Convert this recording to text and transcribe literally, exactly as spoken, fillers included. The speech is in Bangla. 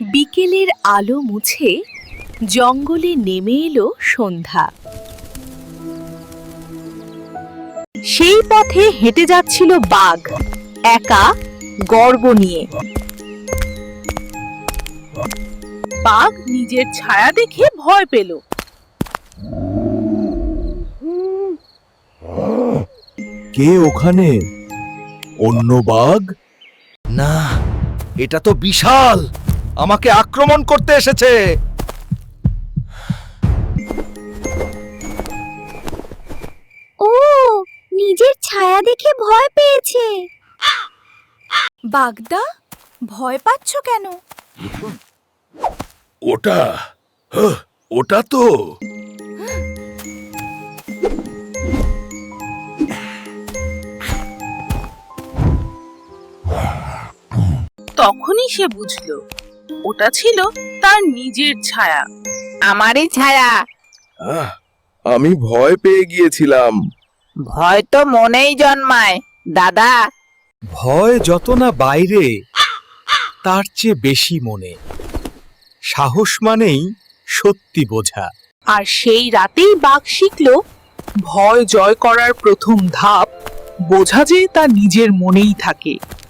বিকেলের আলো মুছে জঙ্গলে নেমে এলো সন্ধ্যা। সেই পথে হেঁটে যাচ্ছিল বাঘ, একা, গর্ব নিয়ে। বাঘ নিজের ছায়া দেখে ভয় পেল। কে ওখানে? অন্য বাঘ? না, এটা তো বিশাল, আমাকে আক্রমণ করতে এসেছে। ও নিজের ছায়া দেখে ভয় পেয়েছে। বাগদা, ভয় পাচ্ছ কেন? ওটা হ্যাঁ, ওটা তো তখনই সে বুঝল ওটা ছিল তার নিজের ছায়া। আমারই ছায়া। আহ, আমি ভয় পেয়ে গিয়েছিলাম। ভয় তো মনেই জন্মায় দাদা। ভয় যত না বাইরে, তার চেয়ে বেশি মনে। সাহস মানেই সত্যি বোঝা। আর সেই রাতেই বাঘ শিখল, ভয় জয় করার প্রথম ধাপ বোঝা যে তা নিজের মনেই থাকে।